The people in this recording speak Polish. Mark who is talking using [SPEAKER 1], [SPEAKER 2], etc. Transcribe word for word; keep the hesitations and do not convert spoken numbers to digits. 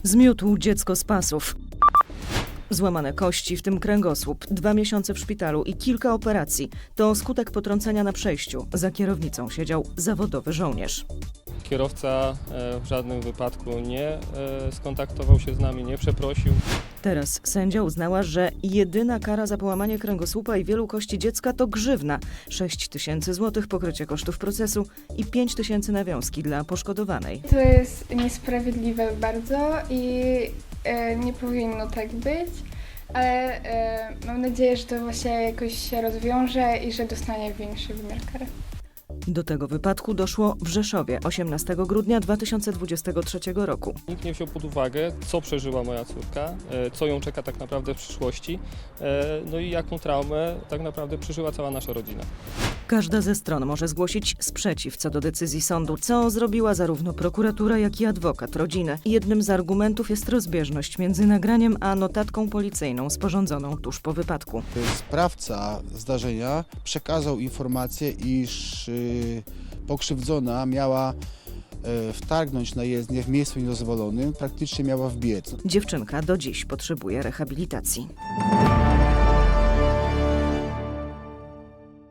[SPEAKER 1] Zmiótł dziecko z pasów. Złamane kości, w tym kręgosłup, dwa miesiące w szpitalu i kilka operacji. To skutek potrącenia na przejściu. Za kierownicą siedział zawodowy żołnierz.
[SPEAKER 2] Kierowca w żadnym wypadku nie skontaktował się z nami, nie przeprosił.
[SPEAKER 1] Teraz sędzia uznała, że jedyna kara za połamanie kręgosłupa i wielu kości dziecka to grzywna. sześć tysięcy złotych pokrycie kosztów procesu i pięć tysięcy nawiązki dla poszkodowanej.
[SPEAKER 3] To jest niesprawiedliwe bardzo i e, nie powinno tak być, ale e, mam nadzieję, że to właśnie jakoś się rozwiąże i że dostanie większy wymiar kary.
[SPEAKER 1] Do tego wypadku doszło w Rzeszowie osiemnastego grudnia dwa tysiące dwudziestego trzeciego roku.
[SPEAKER 2] Nikt nie wziął pod uwagę, co przeżyła moja córka, co ją czeka tak naprawdę w przyszłości, no i jaką traumę tak naprawdę przeżyła cała nasza rodzina.
[SPEAKER 1] Każda ze stron może zgłosić sprzeciw co do decyzji sądu, co zrobiła zarówno prokuratura, jak i adwokat rodziny. Jednym z argumentów jest rozbieżność między nagraniem a notatką policyjną sporządzoną tuż po wypadku.
[SPEAKER 4] Sprawca zdarzenia przekazał informację, iż y, pokrzywdzona miała y, wtargnąć na jezdnię w miejscu niedozwolonym, praktycznie miała wbiec.
[SPEAKER 1] Dziewczynka do dziś potrzebuje rehabilitacji.